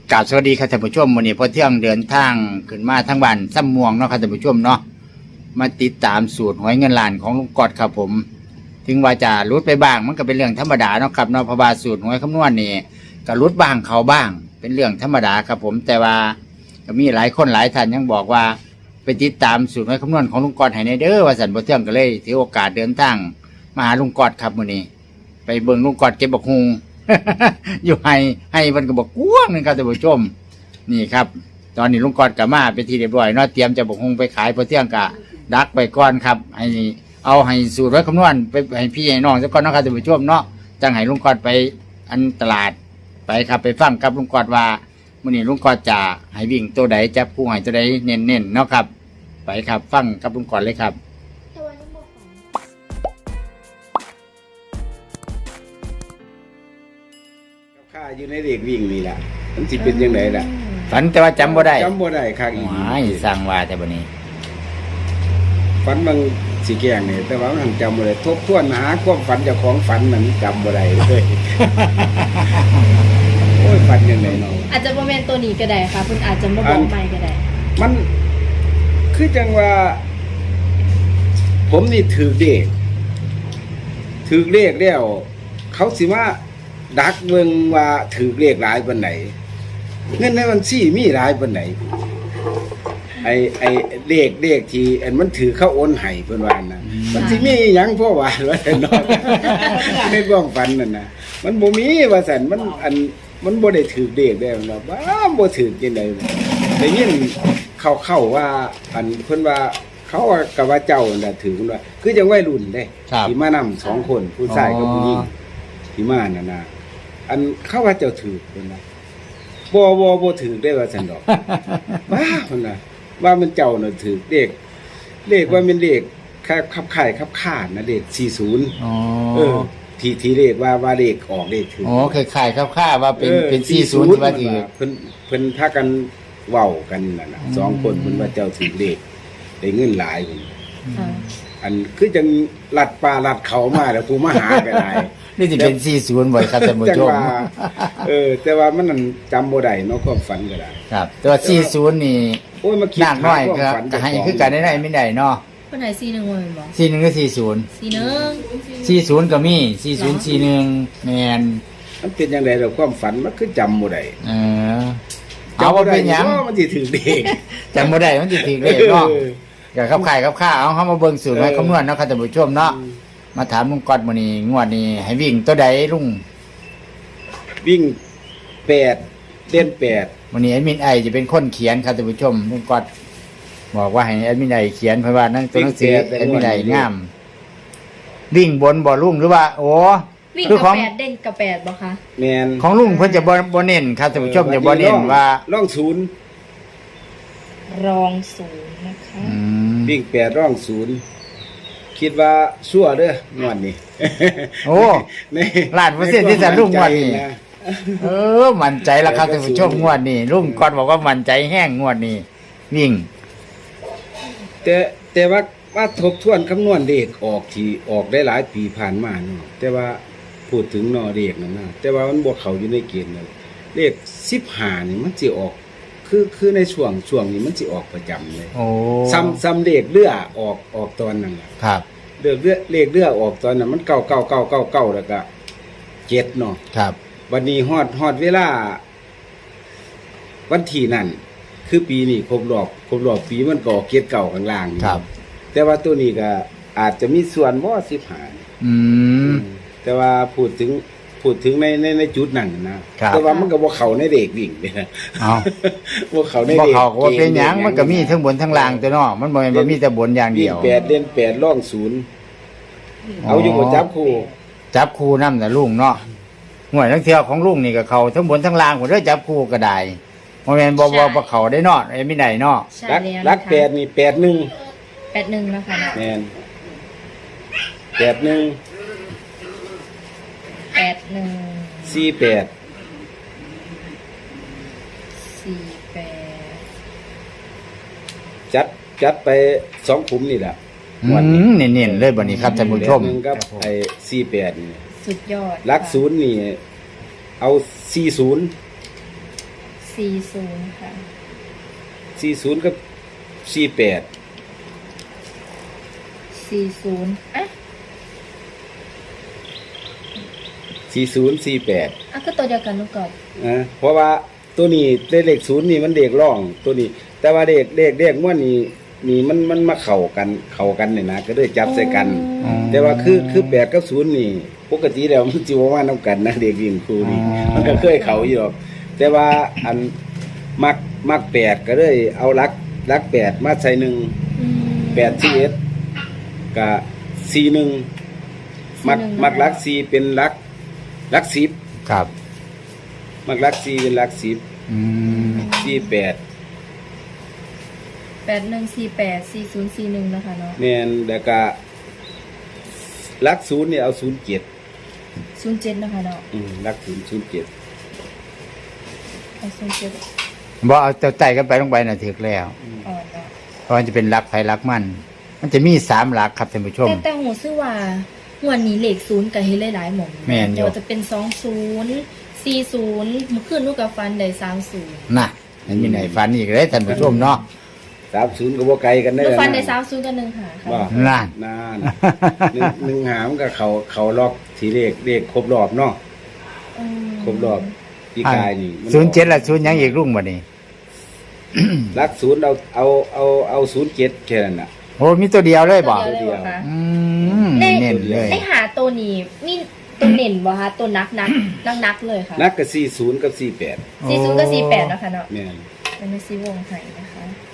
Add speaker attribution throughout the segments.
Speaker 1: กราบสวัสดีครับท่านผู้ชมวันนี้พอเที่ยงเดินทางขึ้นมาทั้งวันซ้ำม่วงเนาะครับท่านผู้ชมเนาะมาติดตามสูตรหวยเงินล้านของลุงกอดครับผมถึงว่าจะรุดไปบ้างมันก็เป็นเรื่องธรรมดาเนาะครับเนาะเพราะว่าสูตรหวยคำนวณนี่ก็รุดบ้างเขาบ้าง เป็นเรื่องธรรมดาครับผมแต่ว่าก็มีหลายคนหลายท่านยังบอกว่าไปติดตามสูตรหวยคำนวณของลุงกอดให้ในเด้อว่าสันพอเที่ยงก็เลยถือโอกาสเดินทางมาหาลุงกอดครับมื้อนี้ไปเบิ่งลุงกอดเก็บบักฮุง อยู่ให้มันก็บอกกว้างนึงครับท่านผู้ชมนี่ครับตอนนี้ลุงกอดกับมาเป็นที่เรียบร้อยเนาะเตรียมจะบอกคงไปขายพอเที่ยงกะดักไปก่อนครับให้สูตรไว้คำนวณไปให้พี่ให้น้องซะก่อนเนาะครับท่านผู้ชมเนาะจังให้ลุงกอดไปอันตลาดไปครับไปฟังกับลุงกอดว่ามื้อนี้ลุงกอดจะให้วิ่งตัวใดจับคู่ให้ตัวใดเน้นๆเนาะครับไปครับฟังกับลุงกอดเลยครับ
Speaker 2: ข้าอยู่ในเด็กวิ่งนี่แหละมันสิเป็นยังไงล่ะ
Speaker 1: ฝันแต่ว่าจำบ่ได้
Speaker 2: ครับอีก
Speaker 1: ไม่สร้างว่าแต่บัดนี้
Speaker 2: ฝันบางสิแกงเนี่ยแต่ว่ามันจำบ่ได้ทบทวนหาความฝันเจ้าของฝันมันจำบ่ได้เลย โอ้ยฝันยังไงเนาะ
Speaker 3: อาจจะบ่แม่นตัวนี้ก็ได้ค่ะเพิ่นอาจจะบ่บอกใหม่ก็ได้
Speaker 2: มันคือจังว่า ผมนี่ถือเลขแล้วเขาสิว่าดักเบิ่งว่าถือเลขหลายปานไหนเงินในบัญชีมีหลายปานไหนไอ้เลขที่อันมันถือเข้าโอนให้เพิ่นว่านะมันสิมีหยังพ่อว่าว่าแต่น้อยในความฝันนั่นน่ะมันบ่มีว่าซั่นมันบ่ได้ถือเลขได้เนาะบ้าบ่ถือจังได๋ได้ยินเข้าว่าอันเพิ่นว่าเขาว่ากับว่าเจ้าน่ะถือเพิ่นว่าคือจังวัยรุ่นเด้ที่มานำ2คนผู้ชายกับผู้หญิงที่มานั่นน่ะอันเขาว่าเจ้าถือเพิ่นน่ะบ่ถือได้ว่าซั่นดอกว้าเพิ่นน่ะว่ามันเจ้าน่ะถือเลขว่ามันเลขขับข่ายขับขาดนะเลข40
Speaker 1: อ๋อ
Speaker 2: ที่เลขว่าเลขออกเลขถือ
Speaker 1: อ๋อคล้ายๆคร่าวๆว่าเป็น40ที่ว่าถือ
Speaker 2: เพิ่นพากันเว้ากันนั่นน่ะ2คนเพิ่นว่าเจ้าถือเลขได้เงินหลายเพิ่นอันคือจังลัดป่าลัดเขามาแล้วผู้มาหาก็ได้
Speaker 1: นี่สิเป็น40บ่ครับท่านผู้ชม
Speaker 2: แต่ว่ามันนั่นจำบ่ได้เนาะความฝันก็ได้
Speaker 1: ครับแต่ว่า40นี่
Speaker 2: โอ้ยมาคิด
Speaker 1: หนักน้อยครับก็ให้คือกันได้ไม่ได้เนาะ
Speaker 3: เพิ่นให้41บ่แม่นบ่
Speaker 1: 41ก็40 40ก็มี4041แม่น
Speaker 2: มันเป็นจังได๋ล่ะความฝันมันคือจำบ่ได้
Speaker 1: เอาว่าเป็นหยัง
Speaker 2: มันสิถึงเด็ก
Speaker 1: จำบ่ได้มันสิถึงเลขเนาะก็ขับข่ายขับข้าเอาเฮามาเบิ่งสูตรไว้คำนวณเนาะครับท่านผู้ชมเนาะมาถามลุงกอดมื้อนี้งวดนี้ให้วิ่งตัวใดลุง
Speaker 2: วิ่ง8เล่น8
Speaker 1: วันนี้แอดมินไอจะเป็นคนเขียนครับท่านผู้ชมลุงกอดบอกว่าให้แอดมินไอเขียนเพราะว่านั่นตัวหนังสือแอดมินไองามวิ่งบนบ่ลุงหรือว่าโอ้
Speaker 3: วิ่งกับ8เด่นกับ8บ่คะ
Speaker 2: แม่น
Speaker 1: ของลุงเพิ่นจะบ่เน้นครับท่านผู้ชมจะบ่เน้นว่า
Speaker 2: ร่อง0
Speaker 3: นะคะ
Speaker 2: วิ่ง8ร่อง0คิดว่าชั่วเด้องวดนี้
Speaker 1: โอ้ล้านเปอร์เซ็นต์ที่จะลุงงวดนี้มั่นใจแล้วครับท่านผู้ชมงวดนี้ลุงกอดบอกว่ามั่นใจแห้งงวดนี้วิ่ง
Speaker 2: แต่ว่าทบทวนคำนวณเลขออกที่ออกได้หลายปีผ่านมาเนาะแต่ว่าพูดถึงนอเลขนั่นนะแต่ว่ามันบ่เข้าอยู่ในเกณฑ์นั่นเลข15นี่มันสิออกคือในช่วงนี้มันสิออกประจำเลย
Speaker 1: โอ้
Speaker 2: ซ้ำเลขเรือออกตอนนั้นน่ะ
Speaker 1: ครับ
Speaker 2: เลขเรือออกตอนนั้นมัน99แล้วก็7เนาะ
Speaker 1: ครับ
Speaker 2: วันนี้ฮอดเวลาวันที่นั่นคือปีนี้ครบรอบปีมันก็เกียรติเก่าข้างล่าง
Speaker 1: ครับ
Speaker 2: แต่ว่าตัวนี้ก็อาจจะมีส่วนบ่15แต่ว่าพูดถึงในจุดนั้นนะแต่ว่ามันก็บ่เข้าในเด็กวิ่งเด้
Speaker 1: อ้าว
Speaker 2: บ่เข้าใน
Speaker 1: เด็กบ่เข้าว่าเป็นหยังมันก็มีทั้งบนทั้งล่างตัวเนาะมันบ่แม่นว่ามีแต่บนอย่างเดียว
Speaker 2: 8เล่น8ร่อง0เอาอยู่บ่จับ
Speaker 1: คู่นำน่ะลุงเนาะหน่วยทั้งเที่ยวของลุงนี่ก็เข้าทั้งบนทั้งล่างหมดเด้อจับคู่ก็ได้บ่แม่นบ่เข้าได้เนาะไอ้มีได้เนาะ
Speaker 2: รัก8นี่81
Speaker 3: นะคะ
Speaker 2: แม่น48จัดไป2ขุมนี่แหละ
Speaker 1: เน้นๆเลยบัดนี้ครับท่านผู้ชม
Speaker 2: กับไอ้48นี่
Speaker 3: สุดยอด
Speaker 2: รัก0นี่เอา40
Speaker 3: 40ค่ะ
Speaker 2: 40กับ48
Speaker 3: 40อ่ะ
Speaker 2: 4048
Speaker 3: อ่ะก็ตัวเดียวกันลูกกอด
Speaker 2: นะเพราะว่าตัวนี้เลข0นี่มันเลขร่องตัวนี้ แต่ว่าเลขม่วนนี่มันมาเข้ากันนี่นะก็เลยจับใส่กัน
Speaker 1: อ๋อ
Speaker 2: แต่ว่าคือ8กับ0นี่ปกติแล้วมันสิบ่มานํกันนะเด็กวิ่งครูนี่
Speaker 1: อ๋อ
Speaker 2: มันก็เคยเข้าอยู่หรอกแต่ว่าอันมัก8ก็เลยเอาลัก8มาใส่1
Speaker 3: อืม
Speaker 2: 8 11กับ41มักลัก4เป็นลัก10
Speaker 1: ครับ
Speaker 2: มักลัก4เป็นลัก10
Speaker 1: อืม
Speaker 2: 48
Speaker 3: 8148 4041นะคะเนาะ
Speaker 2: แม่นแล้วก็ลัก0เนี่ยเอา07
Speaker 3: 07นะคะเนาะ
Speaker 2: ลัก007
Speaker 3: เอา07
Speaker 1: บ่เอาเจ้าไต่กันไปลงไปน่ะถึกแล้ว
Speaker 3: อ่อนเนาะ
Speaker 1: เพราะมันจะเป็นรักไผรักมัน มันจะมี3หลักครับท่านผู้ชม
Speaker 3: แต่หูซื่อว่าวันนี้เลข0ก็เฮ็ดหลายๆหม่อง
Speaker 1: แม่นอยู่
Speaker 3: ว่าจะเป็น20 40มื้อคืนลูกก็ฟันได้30
Speaker 1: น่ะมันมีไหนฝันอีกเลยท่านผู้ชมเนาะ
Speaker 2: 30ก็บ่ไกลกันได้
Speaker 3: ลูกฟัน
Speaker 2: นะ
Speaker 3: ได้30กับ1หาค่ะ
Speaker 2: ว่า
Speaker 1: นั่น
Speaker 2: นานหนึ่งหามกับเขาล็อกทีเลขครบรอบเนาะ
Speaker 3: อืม
Speaker 2: ครบรอบที่กายนี่มัน
Speaker 1: 07ละ0ยังอีกรุ่งบัดนี้
Speaker 2: ลัก0เอา07แค่นั้นน่ะ
Speaker 1: โอ้มีตัวเดียวเลยบ่
Speaker 3: ตัวเดียวเลยเหรอคะ
Speaker 1: อืมเน้นเลย
Speaker 3: ไอหาตัวนี้มีตัวเน่นบ่คะตัวนักเลยค่ะ
Speaker 2: นักก็40กับ48
Speaker 3: 40กับ48นะคะเนาะ
Speaker 2: แม่น
Speaker 3: มันไม่ซีวงไห้นะคะ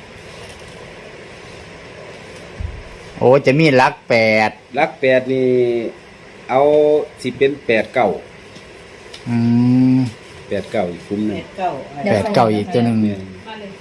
Speaker 1: โอ้จะมีรัก8
Speaker 2: ลัก8นี่เอาสิเป็น89
Speaker 1: อืม
Speaker 2: 89อีกคุ้มหนึง
Speaker 1: 8 9อีกตัวหนึง
Speaker 2: แม่น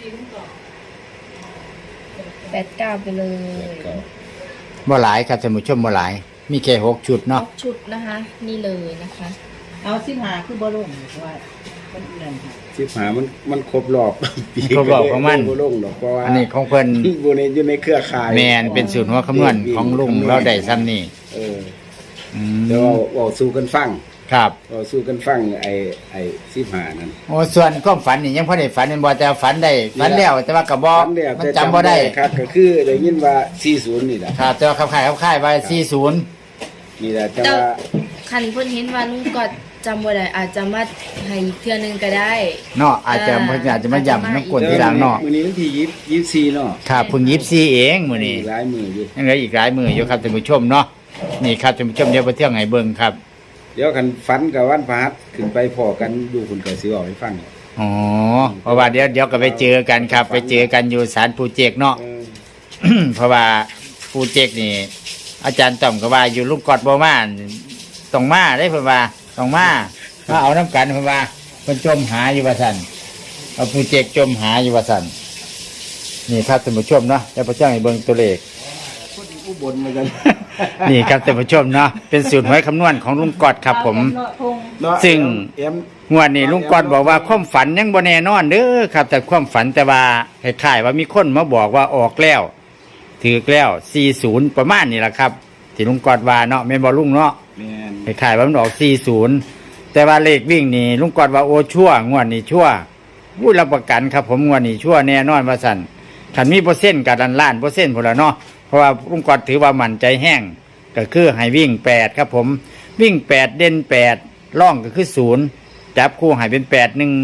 Speaker 3: 89ไปเลย
Speaker 2: 89
Speaker 1: บ่หลายครับท่านผู้ชมบ่หลาย มีแค่6ชุดเนาะ
Speaker 3: ชุดนะคะ นี่เลยนะคะ
Speaker 4: เอา15คือบ่ลงว่ามันนั่นค่ะ
Speaker 2: มันครบรอบ ปี
Speaker 1: ครบรอบของมัน
Speaker 2: บ่ลงดอกเพราะว่า
Speaker 1: อันนี้ของเพิ่น
Speaker 2: บ่ได้อยู่ในเครือข่าย
Speaker 1: แม่นเป็นสูตรหัวคำนวณของลุงเราได้ซ้ำนี่
Speaker 2: เออ
Speaker 1: อืม
Speaker 2: เดี๋ยวเว้าสู่กันฟัง
Speaker 1: ครับ
Speaker 2: เว้าสู่กันฟังไอ้15นั่น
Speaker 1: โอ้ส่วนความฝันนี่ยังพอได้ฝันเป็นบ่แต่ฝันได้ฝันแล้วแต่ว่าก็บ่
Speaker 2: ฝันแล้ว
Speaker 1: มัน
Speaker 2: แต่
Speaker 1: จำบ่ได้
Speaker 2: ครับก็คือได้ยินว่า40นี่แหละ
Speaker 1: ครับแต่ว่าขับค่ายว่า40
Speaker 2: นี่แหละแต่
Speaker 3: แต่
Speaker 2: ว่า
Speaker 3: คันเพิ่นเห็นว่าลุงก็จำบ่ได้อาจจะมาให้อีกเทื่อนึงก็ได้
Speaker 1: เนาะอาจจะเพิ่นอาจจะมาย้ำน้ำกลนทีหลังเนาะ
Speaker 2: มื้อนี้วันที่24เนาะ
Speaker 1: ครับเพิ่ง24เองมื้อนี้
Speaker 2: หลายมื้ออยู่
Speaker 1: ยังเหลืออีกหลายมื้ออยู่ครับท่านผู้ชมเนาะนี่ครับท่านผู้ชมเดี๋ยวไปเที่ยวให้เบิ่งครับ
Speaker 2: เดี๋ยวคันฝันกับวันพฤหัสขึ้นไปพอกันอยู่คุณก็สิเว้าให้ฟัง
Speaker 1: อ๋อเพราะว่าเดี๋ยวก็ไปเจอกันครับ ไปเจอกันอยู่ศาลปูเจกเนาะ
Speaker 2: เออ
Speaker 1: เพราะว่าปูเจกนี่ อาจารย์ต้อมก็ว่าอยู่ลุงกอดบ่มาต้องมาได้เพิ่นว่าต้องมาเอาน้ำกันเพิ่นว่าเพิ่นจมหาอยู่ว่าซั่นเอาปูเจกจมหาอยู่ว่าซั่นนี่ครับท่านผู้ชมเนาะเดี๋ยวพระเจ้าให้เบิ่งตัวเลข
Speaker 2: คนอุบลเหมือนกัน
Speaker 1: นี่ครับท่านผู้ชมเนาะเป็นสูตรหวยคำนวณของลุงกอดครับผม
Speaker 2: เนาะ
Speaker 1: ซึ่ง
Speaker 2: เอ็ม
Speaker 1: งวดนี้ลุงกอดบอกว่าความฝันยังบ่แน่นอนเด้อครับ แต่ความฝันแต่ว่าคล้ายๆว่ามีคนมาบอกว่าออกแล้วถือแล้ว40ประมาณนี้แหละครับที่ลุงกอดว่าเนาะแม่นบ่ลุงเนาะ
Speaker 2: แม่น
Speaker 1: คล้ายๆว่ามันออก40แต่ว่าเลขวิ่งนี่ลุงกอดว่าโอ้ชั่วงวดนี้ชั่วผู้รับประกันครับผมงวดนี้ชั่วแน่นอนว่าซั่นคันมีเปอร์เซ็นต์กับล้านเปอร์เซ็นต์พุ่นละเนาะเพราะว่าลุงกอดถือว่ามั่นใจแห้งก็คือให้วิ่ง8ครับผมวิ่ง8เด่น8ร่องก็คือ0จับคู่ให้เป็น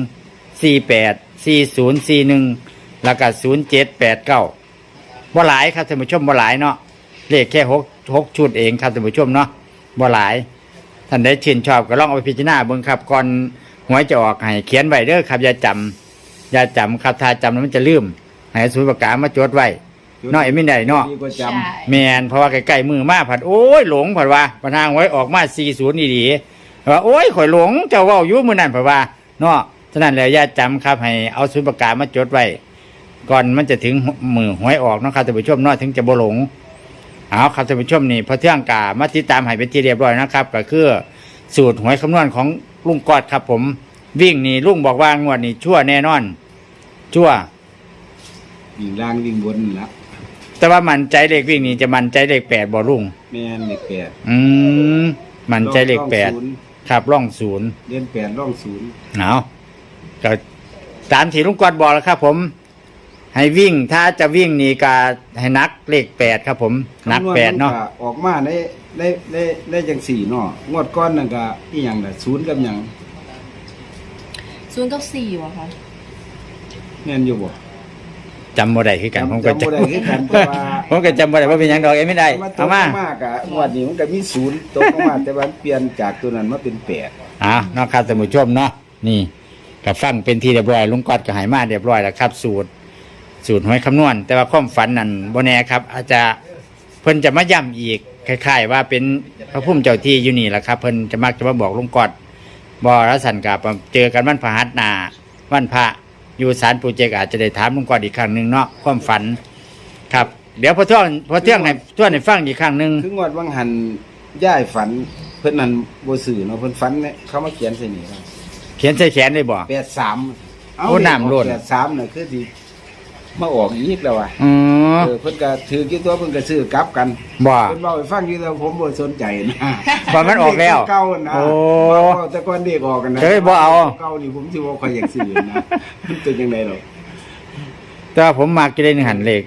Speaker 1: 81484041แล้วก็0789บ่หลายครับท่านผู้ชมบ่หลายเนาะเลขแค่6ชุดเองครับท่านผู้ชมเนาะบ่หลายท่านได้ชื่นชอบก็ลองเอาไปพิจารณาเบิ่งครับก่อนหวยจะออกให้เขียนไว้เด้อครับอย่าจำครับถ้าจำแล้วมันจะลืมให้ศูนย์ประกาศมาจดไว้เนาะไอ้ไม่ได้เนาะ
Speaker 2: ดีกว่าจ
Speaker 3: ใช่
Speaker 1: แมนเพราะว่าใกล้ๆมือมาผัดโอ้ยหลงผัดว่าปัญหาไว้ออกมา40นี่ดีว่าโอ้ยข่อยหลงเจ้าเว้าอยู่มื้อนั้นผัดว่าเนาะฉะนั้นแล้วอย่าจำครับให้เอาศูนย์ประกาศมาจดไว้ก่อนมันจะถึงมือหวยออกเนาะครับท่านผู้ชมเนาะถึงจะบ่หลงเอาครับท่านผู้ชมนี่พอเที่ยงกามาติดตามให้เป็นที่เรียบร้อยนะครับก็คือสูตรหวยคำนวณของลุงกอดครับผมวิ่งนี่ลุงบอกว่างวดนี้ชั่วแน่นอนชั่ว
Speaker 2: ำวิ่งล่างวิ่งบนนั่นละ
Speaker 1: แต่ว่ามันใจเลขวิ่งนี่จะมันใจเลข8บ่ลุง
Speaker 2: แม่นเลข8
Speaker 1: มันใจเลข8ครับร่อง0
Speaker 2: เดือน8ร่อง0
Speaker 1: เอาก็ตามที่ลุงกอดบอกแล้วครับ ผม ให้วิ่งถ้าจะวิ่งนี่ก็ให้นักเลข8ครับ ผมนัก8เนาะ
Speaker 2: คำวณมัก็ออกมาได้จัง4เนาะงวดก้อนนั่นก็อีหยังล่ะ0กับหยัง
Speaker 3: 0กับ4ว่ะค่ะ
Speaker 2: แม่นอยู่บ่
Speaker 1: จำบ่ได้คือกันผมก็
Speaker 2: จำบ่ได้คือกันเพราะว่า
Speaker 1: ผมก็จำบ่ได้ว่าเป็นหยังดอกเอ้ยไม่ได้
Speaker 2: มันต
Speaker 1: เอา
Speaker 2: ก
Speaker 1: มา
Speaker 2: มากอะงวดนี้มันก็มี0ตกมาแต่ว่าเปลี่ยนจากตัวนั้นมาเป็น8
Speaker 1: เนาะครับท่านผู้ชมเนาะนี่ก็ฟังเป็นที่เรียบร้อยลุงกอดก็ใหายมาเรียบร้อยแล้วครับ สูตรหวยคำนวณ แต่ว่าความฝันนั่นบ่แน่ครับ อาจจะเพิ่นจะมาย้ำอีกคล้ายๆว่าเป็นพระพุ่มเจ้าที่อยู่นี่แหละครับ เพิ่นจะมักจะมาบอกลุงกอดบ่รัสันกับเจอกันวันพฤหัสหน้าวันพระอยู่ศาลปู่เจกอาจจะได้ถามลุงกอดอีกครั้งหนึงเนาะความฝันครับ เดี๋ยวพอเที่ยงให้ทวนให้ฟังอีกครั้งหนึง
Speaker 2: คืองวดวังหันย่ายฝันเพิ่นนั่นบ่ซื้อเนาะเพิ่นฝันเนี่ยเขามาเขียนใส่นี่ครับ
Speaker 1: เขียนใส่แขนเลยบ่
Speaker 2: 83
Speaker 1: โอ้น้ำล้น
Speaker 2: 83น่ะคือสิมาออกอีกแล้วว่ะ
Speaker 1: อ๋อ
Speaker 2: เพิ่นก็ถือกี่ตัวเพิ่นก็ซื้อกลับกัน
Speaker 1: บ่
Speaker 2: เพิ่นเว้าให้ฟังอยู่แต่ผมบ่สนใจนะ
Speaker 1: บ่มันออกแล้ว
Speaker 2: เก่านะ
Speaker 1: โอ้
Speaker 2: เว้าแต่ก่อนเด็กออกกันนะ
Speaker 1: เฮ้ยบ่เอา
Speaker 2: เก่านี่ผมสิบ่ค่อยอยากซื้อนะมันเป็นจังได๋หรอก
Speaker 1: แต่ว่าผมมักจะได้หนึ่งหันเลข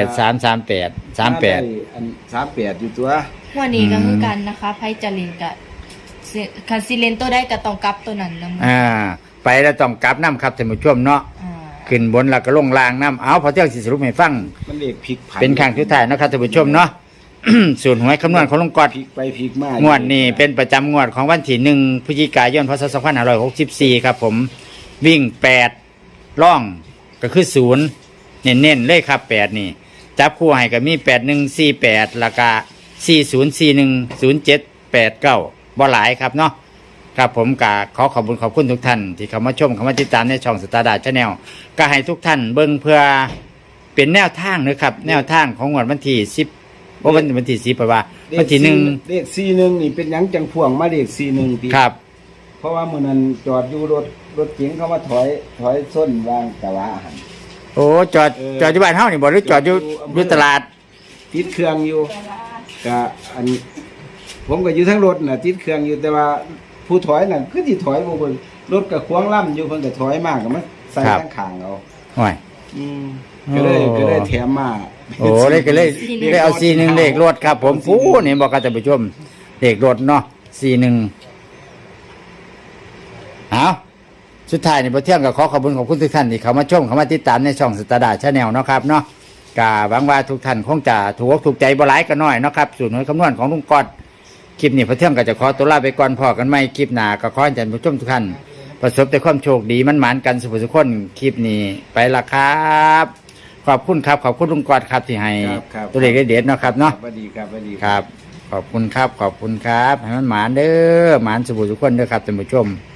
Speaker 1: 8338
Speaker 2: อัน38อยู่ตัว
Speaker 3: วันนี้ก็คือกันนะคะไพ่จรินกับคันซิเลนตัวได้ก็ต้องกลับตัวนั้นนำ
Speaker 1: ไปแล้วต้องกลับน้ำครับท่านผู้ชมเนาะขึ้นบนแล้วก็ลงล่างน้ำเอาพอเที่ยงสิสรุปให้ฟัง
Speaker 2: มันเลขพลิกผัน
Speaker 1: เป็นครั้งสุดท้ายเนาะครับท่านผู้ชมเนาะ สูตรหวยคำนวณของลุงกอด
Speaker 2: พลิกไปพลิกมาง
Speaker 1: วดนี้เป็นประจำงวดของวันที่1 พฤศจิกายนพศ2564ครับผมวิ่ง8ล่องก็คือ0เน้นๆเลยครับ8นี่จับคู่ให้ก็มี8148แล้วก็40410789บ่หลายครับเนาะครับผมก็ขอขอบคุณทุกท่านที่เข้ามาชมเข้ามาติดตามในช่องสตาร์ดาชาแนลก็ให้ทุกท่านเบิ่งเพื่อเป็นแนวทางนะครับแนวทางของงวดวันที่10วันที่10ไปว่าวันที่1
Speaker 2: เลข41นี่เป็นหยังจังพ่วงมาเลข41ปี
Speaker 1: ครับ
Speaker 2: เพราะว่ามื้อนั้นจอดอยู่รถเก๋งเขามาถอยส้นวางตะวาหัน
Speaker 1: โอ้จอดอยู่บ้านเฮานี่บ่หรือจอดอยู่ตลาด
Speaker 2: ติดเครื่องอยู่ก็อันผมก็อยู่ทั้งรถน่ะติดเครื่องอยู่แต่ว่าผู้ถอยน่ะคือสิถอยบ่เบิ่งรถก็ขวางล่ำอยู่เพิ่นก็ถอยมากก็มาใส่ข้างข้างเอา
Speaker 1: โอ้ย
Speaker 2: ก็เลยแถมมา
Speaker 1: โอ้เลยก็เลยได้เอา41เลขรถครับ ผมฟูนี่บอกกับท่านผู้ชมเลขรถเนาะ41เอาสุดท้ายนี่บ่เที่ยงก็ขอขอบคุณทุกท่านที่เข้ามาชมเข้ามาติดตามในช่องสตาร์ดาชาแนลเนาะครับเนาะก็หวังว่าทุกท่านคงจะถูกอกถูกใจบ่หลายก็น้อยเนาะครับสูตรหวยคำนวณของลุงกอดคลิปนี้พอเที่ยงก็จะขอตัวลาไปก่อนพอกันใหม่คลิปหน้าก็ขอให้ท่านผู้ชมทุกท่านประสบแต่ความโชคดีมันหมานกันสุขสุขคนคลิปนี้ไปละครับขอบคุณครับขอบคุณลุงกอดครับที่ให้ตัวเลขเด็ดๆเนาะครับเนาะ
Speaker 2: สวัสดีครับสวัสดี
Speaker 1: ครับ ขอบคุณครับ ขอบคุณครับ ให้มันหมานเด้อหมานสุขสุขคนเด้อครับท่านผู้ชม